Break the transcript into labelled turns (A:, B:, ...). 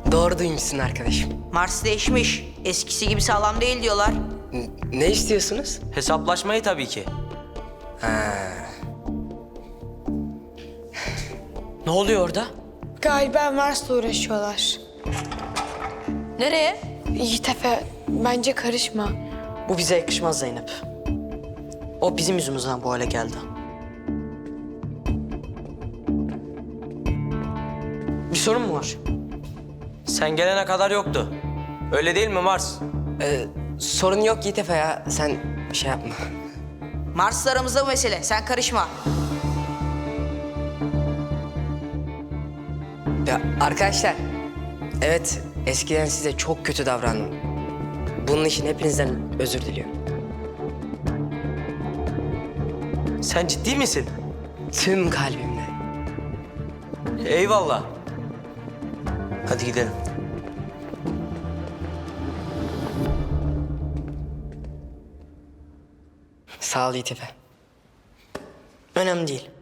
A: Doğru duymuşsun arkadaşım.
B: Mars değişmiş. Eskisi gibi sağlam değil diyorlar.
A: Ne istiyorsunuz?
C: Hesaplaşmayı tabii ki.
D: Ne oluyor orada?
E: Galiba Mars'la uğraşıyorlar.
D: Nereye?
E: Yiğit Efe, bence karışma.
D: Bu bize yakışmaz Zeynep. O bizim yüzümüzden bu hale geldi. Bir sorun mu var?
C: Sen gelene kadar yoktu. Öyle değil mi Mars?
A: Sorun yok Yiğit Efe ya. Sen şey yapma.
B: Mars'la aramızda bu mesele. Sen karışma.
A: Ya arkadaşlar, evet eskiden size çok kötü davrandım. Bunun için hepinizden özür diliyorum.
C: Sen ciddi misin?
A: Tüm kalbimle.
C: Eyvallah. Hadi gidelim.
A: Sağ ol Yiğit Efe.
D: Önemli değil.